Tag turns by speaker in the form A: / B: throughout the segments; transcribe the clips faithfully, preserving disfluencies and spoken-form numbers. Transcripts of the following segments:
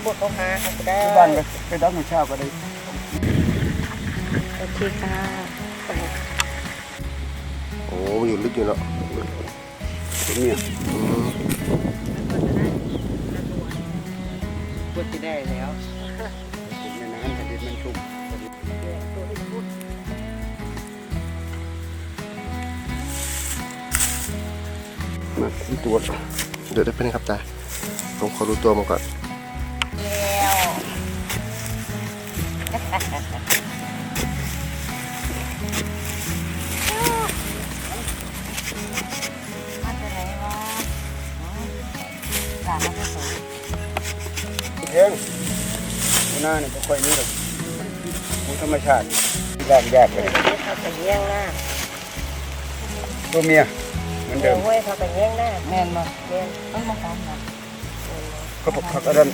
A: พวกเขาหาเขาก็ได้
B: บ้านก็ไปดักมาเช้าก็ได้
A: โอเคค่ะ
C: โอ้อยู่ลึกอยู่เนาะ
B: เนี่ย
A: ก็จะได้แล้ว
B: ในน้ำแผ่นดินมันชุ่มมาที่ตัว
C: เดี๋ยวได้เป็นครับตาผมขอดูตัวมันก่อน
B: เองหน้าเนี่ยไม่ค่อยนี่หรอกธรรมชาติยากยากเลย
A: เขาไปแย่งหน้า
B: ตัวเมียเหมือนเดิม
A: เว้ยเขาไปแย่งหน้าแม่นมาแม่นต้องมาตามมา
B: ก็ผักผักอะไร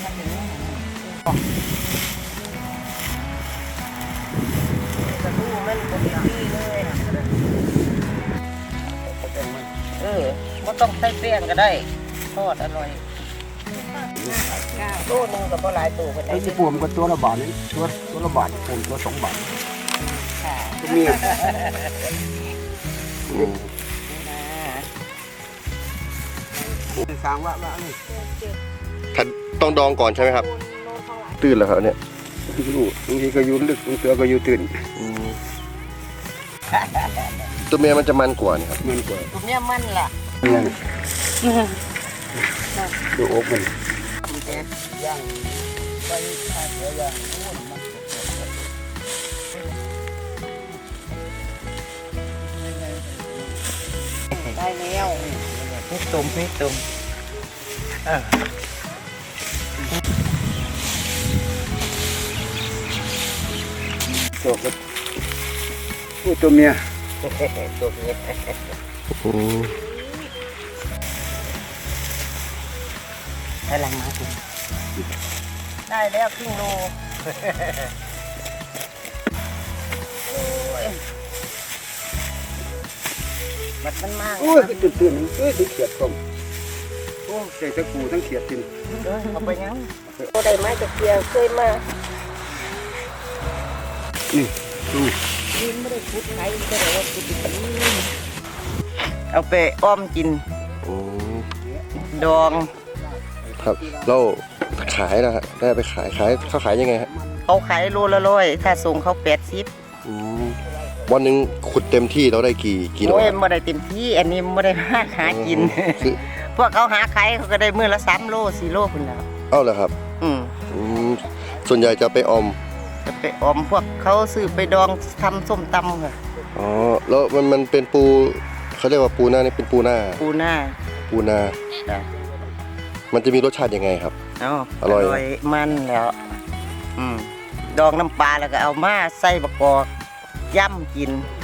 A: กระทู้มันเป็นที่เลยเออไม่ต้องใส่แป้งก็ได้ทอดอร่อยตู้นึงกับปลาไหลตู้ก็ได้
B: ไอ้ที่ปวมก็ตัวละบาทนี่ตัวตัวละบาทปวมตัวสองบาทตัวเมียสร้างว่าว่านี่
C: ต้องดองก่อนใช่ไหมครับตื่นแล้วครับเนี่ย
B: อยู่บางทีก็ยืนลึกบางทีก็ยืนตื่น
C: ตัวเมียมันจะมันกว่านี่ครับ
B: มันกว่า
A: ตัวเมียมันล่ะ
B: ดูอกมัน
A: ย่างไปข้าวเหนียวย่างได้แล้วพริกตุ่มพริกตุ่ม
B: ตัวก็ตัวเมีย
A: ตัวเมียได้ลังมาคุณได้แล้วครึ่งโลมันมันมาก
B: โอ้ยตื่นตื่นเอ้ยตื่นเขียดคมโอ้ใส่ตะกูทั้งเขียดกิน
A: เอาไปยังโอ้ได้ไม้ตะเกียงเคยมา
B: นี่ดู
A: กินไม่ได้พุดไข่ก็ได้ว่าพุดเอาไปอ้อมกินดอง
C: ครับเราขายนะฮะได้ไปขายขายเขาขายยังไงฮะ
A: เขาขายโลละร้อยถ้าส่งเขาแปดสิบ
C: วันหนึ่งขุดเต็มที่เราได้กี่กิโล
A: โอ้ยไม่ได้เต็มที่อันนี้ไม่ได้หาหากินพวกเขาหาขายเขาก็ได้มื้อละสามโลสี่โลคนแล้ว
C: เอ้าเหรอครับ
A: อืม
C: ส่วนใหญ่จะไปอม
A: จะไปอมพวกเขาซื้อไปดองทำส้มตำค่ะ
C: อ๋อแล้วมันมันเป็นปูเขาเรียกว่าปูหน้านี่เป็นปูหน้า
A: ปูหน้า
C: ปูหน้ามันจะมีรสชาติยังไงครับ
A: อร่อยมันแล้วอืมดองน้ำปลาแล้วก็เอามาใส่บะกอกย่ำกิน